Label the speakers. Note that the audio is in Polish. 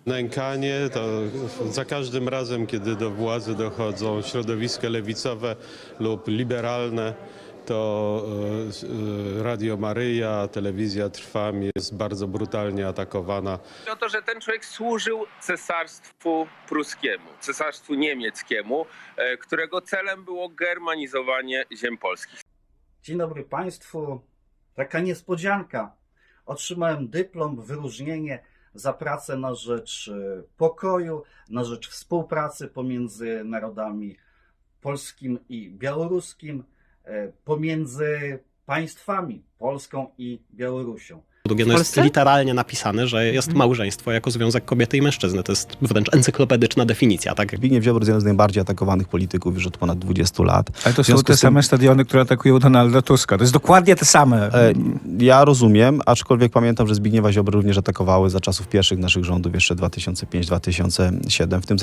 Speaker 1: Nękanie to za każdym razem, kiedy do władzy dochodzą środowiska lewicowe lub liberalne, to Radio Maryja, Telewizja Trwam jest bardzo brutalnie atakowana.
Speaker 2: O to, że ten człowiek służył cesarstwu pruskiemu, cesarstwu niemieckiemu, którego celem było germanizowanie ziem polskich.
Speaker 3: Dzień dobry Państwu. Taka niespodzianka. Otrzymałem dyplom, wyróżnienie za pracę na rzecz pokoju, na rzecz współpracy pomiędzy narodami polskim i białoruskim, pomiędzy państwami Polską i Białorusią.
Speaker 4: No jest literalnie napisane, że jest małżeństwo jako związek kobiety i mężczyzny. To jest wręcz encyklopedyczna definicja, tak?
Speaker 5: Zbigniew Ziobro jest jeden z najbardziej atakowanych polityków już od ponad 20 lat.
Speaker 6: Ale to są te same stadiony, które atakują Donalda Tuska. To jest dokładnie te same.
Speaker 5: Ja rozumiem, aczkolwiek pamiętam, że Zbigniewa Ziobro również atakowały za czasów pierwszych naszych rządów, jeszcze 2005-2007. W tym